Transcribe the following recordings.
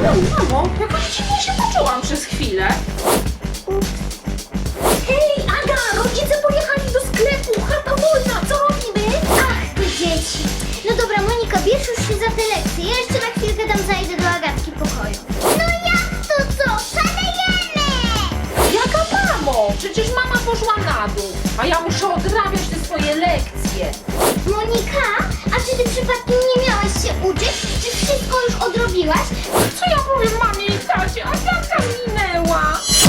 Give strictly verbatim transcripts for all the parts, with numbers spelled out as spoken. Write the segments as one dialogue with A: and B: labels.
A: Oj, mamo, jakoś dziwnie się poczułam przez chwilę. Hej, Aga, rodzice pojechali do sklepu, chata wolna, co robimy?
B: Ach, te dzieci. No dobra, Monika, bierz już się za te lekcje. Ja jeszcze na chwilkę tam zajdę do Agatki pokoju. No jak to co? Szalejemy!
A: Jaka mamo? Przecież mama poszła na dół, a ja muszę odrabiać te swoje lekcje.
B: Monika, a czy ty przypadkiem nie miałaś się uczyć? Czy wszystko już odrobiłaś?
A: Co ja powiem mamie i tacie? Agatka minęła.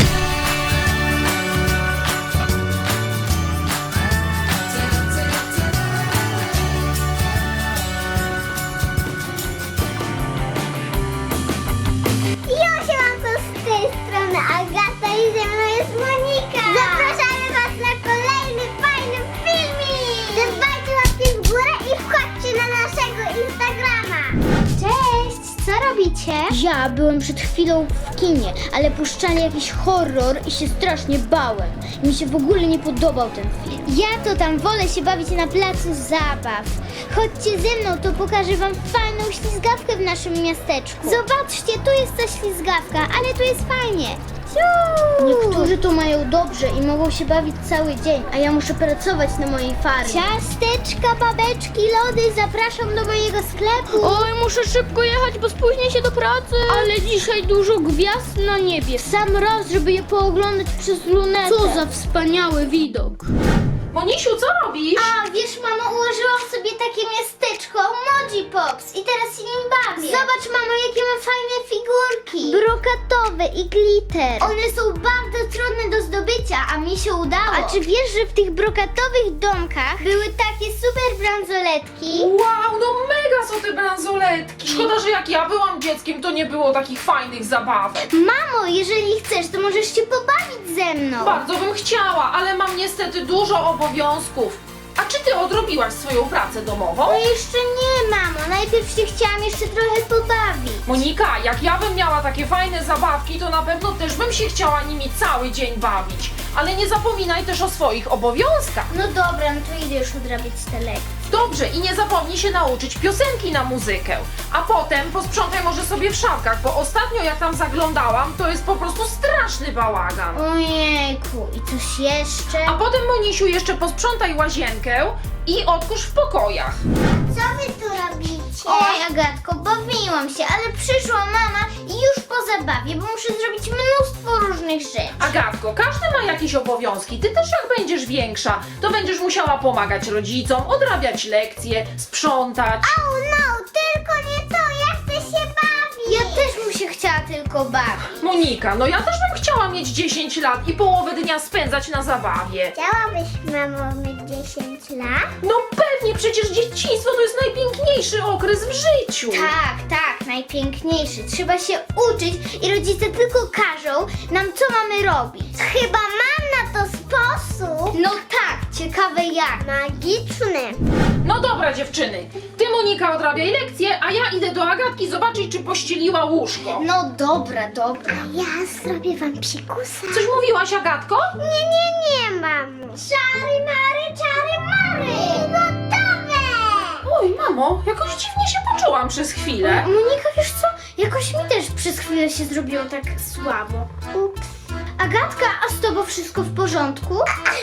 B: Ja się mam to z tej strony Agata i ze mną jest Monika. Zapraszamy was na kolejny fajny filmik. Dbajcie łapki w górę i wchodźcie na naszego Instagrama. Cześć, co robicie? Ja byłem przed chwilą w kinie, ale puszczali jakiś horror i się strasznie bałem. Mi się w ogóle nie podobał ten film. Ja to tam wolę się bawić na placu zabaw. Chodźcie ze mną, to pokażę wam fajną ślizgawkę w naszym miasteczku. Zobaczcie, tu jest ta ślizgawka, ale tu jest fajnie. Niektórzy to mają dobrze i mogą się bawić cały dzień, a ja muszę pracować na mojej farmie. Ciasteczka, babeczki, lody, zapraszam do mojego sklepu.
C: Oj, muszę szybko jechać, bo spóźnię się do pracy. Ale dzisiaj dużo gwiazd na niebie. Sam raz, żeby je pooglądać przez lunetę. Co za wspaniały widok.
A: Monisiu, co robisz?
B: A wiesz, mamo, ułożyłam sobie takie miasteczko Moji Pops i teraz się nim bawię. Zobacz, mamo, jakie mam fajne figurki. Brokatowe i glitter. One są bardzo trudne do zdobycia, a mi się udało. A czy wiesz, że w tych brokatowych domkach były takie super bransoletki?
A: Wow, no mega są te bransoletki. Szkoda, że jak ja byłam dzieckiem, to nie było takich fajnych zabawek.
B: Mamo, jeżeli chcesz, to możesz się pobawić ze mną.
A: Bardzo bym chciała, ale mam niestety dużo obowiązków. A czy ty odrobiłaś swoją pracę domową?
B: No jeszcze nie, mamo. Najpierw się chciałam jeszcze trochę pobawić.
A: Monika, jak ja bym miała takie fajne zabawki, to na pewno też bym się chciała nimi cały dzień bawić. Ale nie zapominaj też o swoich obowiązkach.
B: No dobra, no to idę już odrabiać te lekcje.
A: Dobrze, i nie zapomnij się nauczyć piosenki na muzykę. A potem posprzątaj może sobie w szafkach, bo ostatnio jak tam zaglądałam, to jest po prostu straszny bałagan.
B: Ojejku, i coś jeszcze?
A: A potem, Monisiu, jeszcze posprzątaj łazienkę i odkurz w pokojach.
B: Co wy tu robicie? Oj, Agatko, bawiłam się, ale przyszła mama i już po zabawie, bo muszę zrobić mnóstwo różnych rzeczy.
A: Agatko, każdy ma jakieś obowiązki. Ty też jak będziesz większa, to będziesz musiała pomagać rodzicom, odrabiać lekcje, sprzątać.
B: Oh no, tylko nie to, ja chcę się bawić. Ja też bym się chciała tylko bawić.
A: Monika, no ja też bym chciała mieć dziesięć lat i połowę dnia spędzać na zabawie.
B: Chciałabyś, mamo, mieć dziesięć lat?
A: No pewnie, przecież dzieciństwo to jest najpiękniejszy okres w życiu.
B: Tak, tak, najpiękniejszy. Trzeba się uczyć i rodzice tylko każą nam, co mamy robić. Chyba mam na to sposób. No tak, ciekawe jak. Magiczny.
A: No dobra, dziewczyny, ty, Monika, odrabiaj lekcje, a ja idę do Agatki zobaczyć, czy pościeliła łóżko.
B: No dobra, dobra. Ja zrobię wam psikusa.
A: Coś mówiłaś, Agatko?
B: Nie, nie, nie, mamo. Czary mary, czary mary. Gotowe.
A: Oj, mamo, jakoś dziwnie się poczułam przez chwilę.
B: Monika, wiesz co? Jakoś mi też przez chwilę się zrobiło tak słabo. Ups. Agatka, a z tobą wszystko w porządku?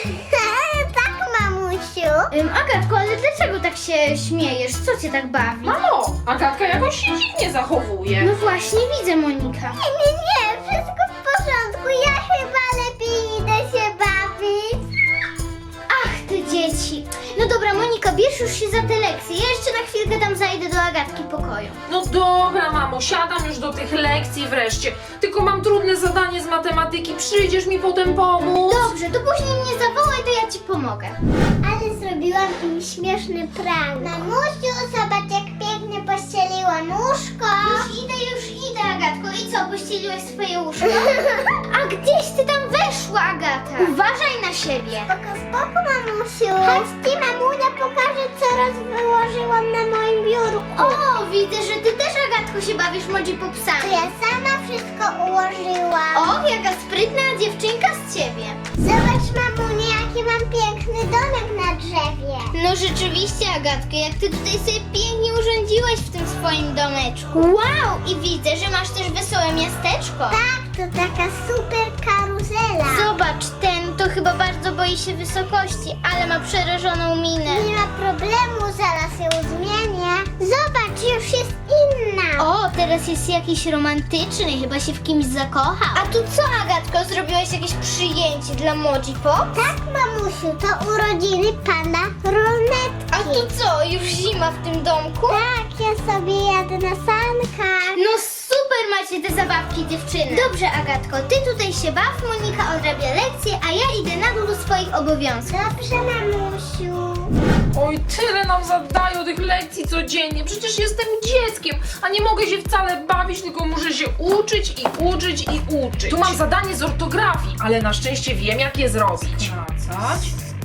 B: Tak, mamusiu. Ym, Agatko, ale dlaczego tak się śmiejesz? Co cię tak bawi?
A: Mamo, Agatka jakoś się dziwnie zachowuje.
B: No właśnie, widzę, Monika. Nie, nie, nie, wszystko w porządku. Ja chyba lepiej idę się bawić. Ach, te dzieci. No dobra, Monika, bierz już się za te lekcje. Ja jeszcze na chwilkę tam zajdę do Agatki pokoju.
A: No dobra, mamo, siadam już do tych lekcji wreszcie. Tylko mam trudne zadanie z matematyki. Przyjdziesz mi potem pomóc?
B: Dobrze, to później mnie zawołaj, to ja ci pomogę. Ale zrobiłam im śmieszny prank. Mamusiu, zobacz jak pięknie pościeliłam łóżko. Już idę, już idę, Agatko. I co, pościeliłaś swoje łóżko? A gdzieś ty tam weszła, Agata? Uważaj na siebie. Spoko, spoko, mamusiu. Chodźcie, mamunia pokaże, co raz wyłożyłam na moim biurku. O, widzę, że ty też, Agatko, się bawisz Moji Popsami. Ja sama wszystko ułożyłam. O, jaka sprytna dziewczynka z ciebie. Zobacz, mamunia, jaki mam piękny domek na drzewie.
C: No rzeczywiście, Agatko, jak ty tutaj sobie pięknie urządziłaś w tym swoim domeczku. Wow, i widzę, że masz też wesołe miasteczko.
B: Tak, to taka super karuzela.
C: Zobacz, ten to chyba bardzo boi się wysokości, ale ma przerażoną minę.
B: Nie ma problemu, zaraz ją zmienię. Zobacz, już jest inna.
C: O, teraz jest jakiś romantyczny, chyba się w kimś zakocha. A tu co, Agatko, zrobiłaś jakieś przyjęcie dla Moji Pop?
B: Tak, mamusiu, to urodziny pana Ronetki.
C: A tu co, już zima w tym domku?
B: Tak, ja sobie jadę na sankach.
C: No super macie te zabawki, dziewczyny. Dobrze, Agatko, ty tutaj się baw, Monika odrabia lekcje, a ja idę na dół do swoich obowiązków.
B: Dobrze, mamusiu.
A: Oj, tyle nam zadają tych lekcji codziennie. Przecież jestem dzieckiem, a nie mogę się wcale bawić, tylko muszę się uczyć i uczyć i uczyć. Tu mam zadanie z ortografii, ale na szczęście wiem, jak je zrobić. Skracać,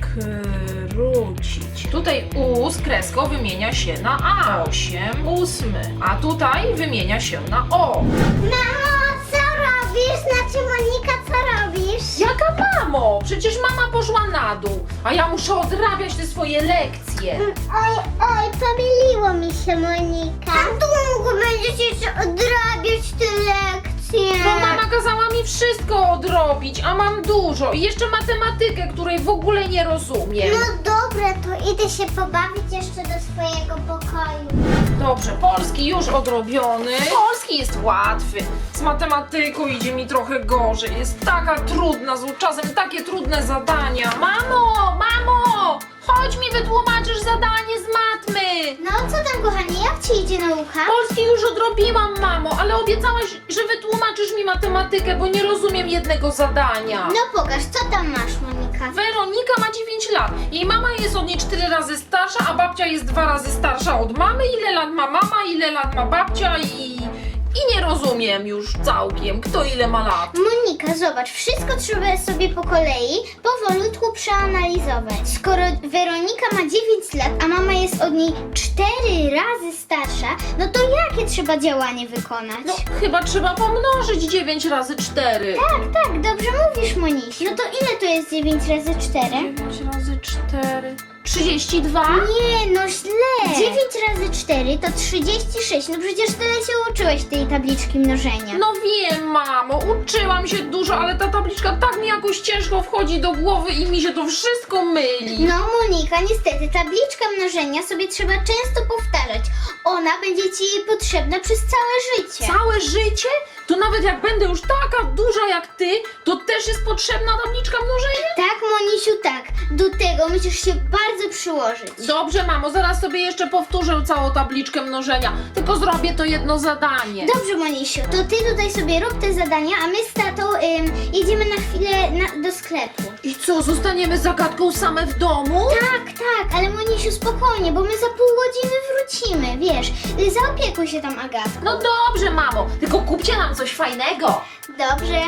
A: skrócić. Tutaj U z kreską wymienia się na A. Osiem ósmy. A tutaj wymienia się na O.
B: Mamo, co robisz? Znaczy, Monika, co robisz?
A: Jaka mamo? Przecież mama poszła na dół, a ja muszę odrabiać te swoje lekcje.
B: Oj, oj, pomyliło mi się, Monika. A długo będziesz jeszcze odrabiać te lekcje.
A: Bo mama kazała mi wszystko odrobić, a mam dużo. I jeszcze matematykę, której w ogóle nie rozumiem.
B: No dobra, to idę się pobawić jeszcze do swojego pokoju.
A: Dobrze, polski już odrobiony. Polski jest łatwy. Z matematyką idzie mi trochę gorzej. Jest taka trudna, z czasem takie trudne zadania. Mamo, mamo! Chodź mi wytłumaczysz zadanie z matmy.
C: No co tam, kochanie, jak ci idzie nauka?
A: Polski już odrobiłam, mamo, ale obiecałaś, że wytłumaczysz mi matematykę, bo nie rozumiem jednego zadania.
C: No pokaż, co tam masz, Monika?
A: Weronika ma dziewięć lat. Jej mama jest od niej cztery razy starsza, a babcia jest dwa razy starsza od mamy. Ile lat ma mama, ile lat ma babcia i... I nie rozumiem już całkiem, kto ile ma lat.
C: Monika, zobacz, wszystko trzeba sobie po kolei, powolutku przeanalizować. Skoro Weronika ma dziewięć lat, a mama jest od niej cztery razy starsza, no to jakie trzeba działanie wykonać?
A: No, chyba trzeba pomnożyć dziewięć razy cztery.
C: Tak, tak, dobrze mówisz, Monisiu. No to ile to jest dziewięć razy cztery?
A: dziewięć razy cztery... trzydzieści dwa?
C: Nie, no źle. dziewięć razy cztery to trzydzieści sześć. No przecież tyle się uczyłeś tej tabliczki mnożenia.
A: No wiem, mamo, uczyłam się dużo, ale ta tabliczka tak mi jakoś ciężko wchodzi do głowy i mi się to wszystko myli.
C: No Monika, niestety tabliczka mnożenia sobie trzeba często powtarzać. Ona będzie ci potrzebna przez całe życie.
A: Całe życie? To nawet jak będę już taka duża jak ty, to też jest potrzebna tabliczka mnożenia?
C: Tak, Monisiu, tak. Do tego musisz się bardzo przyłożyć.
A: Dobrze, mamo, zaraz sobie jeszcze powtórzę całą tabliczkę mnożenia, tylko zrobię to jedno zadanie.
C: Dobrze, Monisiu, to ty tutaj sobie rób te zadania, a my z tatą ym, jedziemy na chwilę na, do sklepu.
A: I co, zostaniemy z Agatką same w domu?
C: Tak, tak, ale Monisiu, spokojnie, bo my za pół godziny wrócimy, wiesz. y, Zaopiekuj się tam, Agatko.
A: No dobrze, mamo, tylko kupcie nam coś fajnego.
C: Dobrze.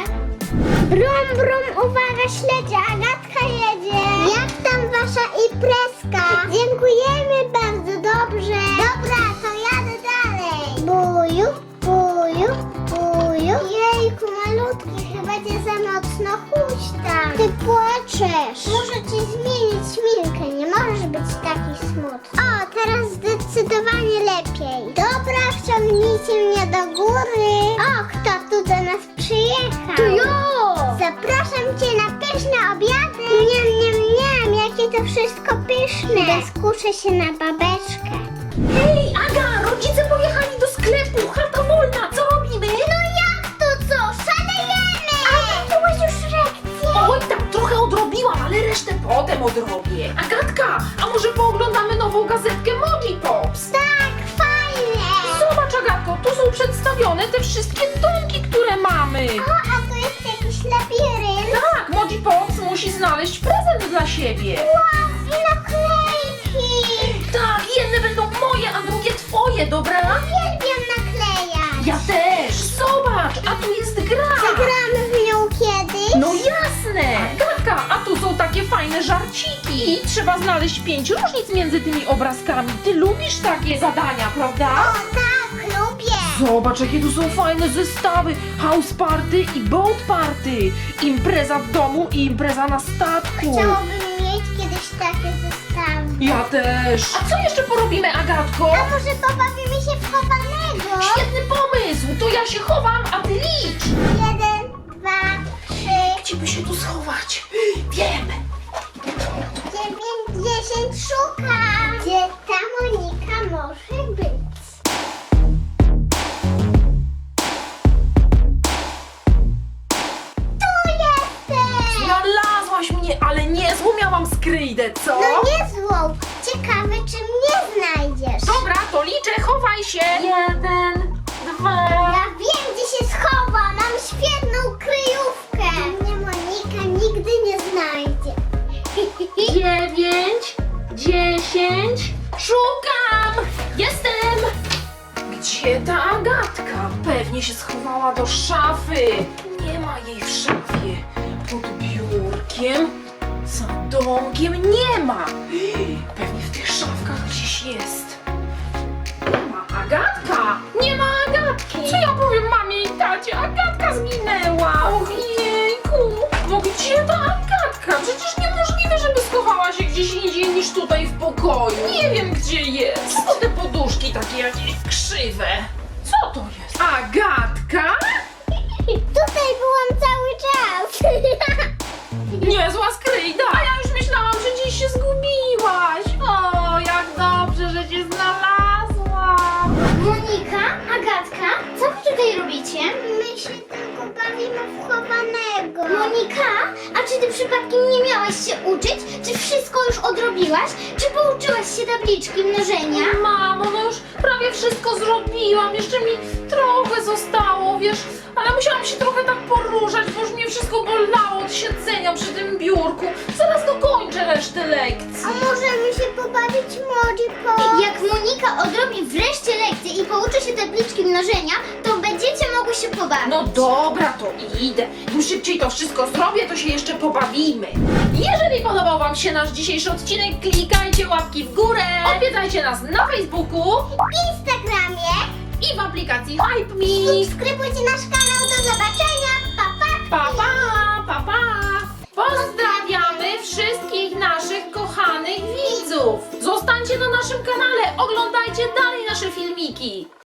B: Brum, brum, uwaga, śledzie, Agatka jedzie. Jak tam wasza imprezka? Dziękujemy bardzo, dobrze. Dobra, to jadę dalej. Buju, buju, buju. Jejku, malutki, chyba cię za mocno huśtam. Ty płaczesz. Muszę ci zmienić szminkę, nie możesz być taki smutny. O, teraz zdecydowanie lepiej. Dobra, wciągnijcie mnie do góry. O, kto tu do nas przyjechał?
C: To ja!
B: Zapraszam cię na pyszne obiady. Niam, niam, niam, jakie to wszystko pyszne. Idę skuszę się na babeczkę.
A: Hej, Aga, rodzice pojechali do sklepu, chata wolna, co robimy?
B: No jak to co? Szalejemy! Ale byłeś już lekcję.
A: Oj, tak trochę odrobiłam, ale resztę potem odrobię. Agatka, a może pooglądamy nową gazetkę Moji Pops?
B: Tak, fajnie.
A: Zobacz, Agatko, tu są przedstawione te wszystkie domki, które mamy.
B: O, a tu jest jakiś labirynt.
A: Tak, Moji Pops musi znaleźć prezent dla siebie.
B: Wow, i naklejki.
A: Tak, jedne będą moje, a drugie twoje, dobra?
B: Uwielbiam naklejać.
A: Ja też. Zobacz, a tu jest gra.
B: Zagramy w nią kiedyś?
A: No jasne! Agatka, a tu są takie fajne żarciki. I trzeba znaleźć pięć różnic między tymi obrazkami. Ty lubisz takie zadania, prawda?
B: O tak, lubię.
A: Zobacz, jakie tu są fajne zestawy. House party i boat party. Impreza w domu i impreza na statku.
B: Chciałabym takie zestawy.
A: Ja też. A co jeszcze porobimy, Agatko?
B: A może pobawimy się w chowanego?
A: Świetny pomysł. To ja się chowam, a ty licz.
B: Jeden, dwa, trzy,
A: Gdzie by się tu schować? Wiem.
B: dziewięć, dziesięć, szukam. Gdzie ta Monika może być? Tu jesteś!
A: Znalazłaś mnie, ale niezłą miałam skryjdę, co?
B: No niezłą. Ciekawe, czy mnie znajdziesz.
A: Dobra, to liczę, chowaj się. Jeden, dwa.
B: Ja wiem, gdzie się schowa. Mam świetną kryjówkę. Mnie Monika nigdy nie znajdzie.
A: Dziewięć, dziesięć. Szukam! Jestem! Gdzie ta Agatka? Pewnie się schowała do szafy. Nie ma jej w szafie. Pod biurkiem, za domkiem nie ma. Pewnie w tych szafkach gdzieś jest. Nie ma Agatka! Nie ma Agatki! Co ja powiem mamie i tacie? Agatka zginęła! Ojejku! No gdzie ta Agatka? Przecież niemożliwe, żeby schowała się gdzieś indziej niż tutaj w pokoju. Nie wiem, gdzie jest. Co te poduszki takie jakieś krzywe? Co to jest? Agatka?
B: Tutaj byłam cały czas.
A: Niezła skryjda! A ja już myślałam, że gdzieś się zgubiłaś. O, jak dobrze, że cię znalazłam.
C: Monika, Agatka, co wy tutaj robicie?
B: My się tylko bawimy w chowanego.
C: Monika, a czy ty przypadkiem nie miałaś się uczyć? Czy wszystko już odrobiłaś? Czy pouczyłaś się tabliczki mnożenia?
A: Mamo, no już prawie wszystko zrobiłam. Jeszcze mi trochę zostało, wiesz, ale musiałam się trochę tak poruszać, bo już mnie wszystko bolało od siedzenia przy tym biurku. Zaraz dokończę resztę lekcji.
B: A możemy się pobawić Moniką?
C: Jak Monika odrobi wreszcie lekcję i pouczy się tabliczki mnożenia, to będziecie mogły się pobawić.
A: No dobra, to idę. Im szybciej to wszystko zrobię, to się jeszcze pobawimy. Jeżeli podobał Wam się nasz dzisiejszy odcinek, klikajcie łapki w górę. Odwiedzajcie nas na Facebooku
B: W Instagramie.
A: i w aplikacji Hype Me.
B: Subskrybujcie nasz kanał. Do zobaczenia. Pa, pa.
A: Pa, pa, pa, pa. Pozdrawiamy wszystkich naszych kochanych widzów. Zostańcie na naszym kanale, oglądajcie dalej nasze filmiki.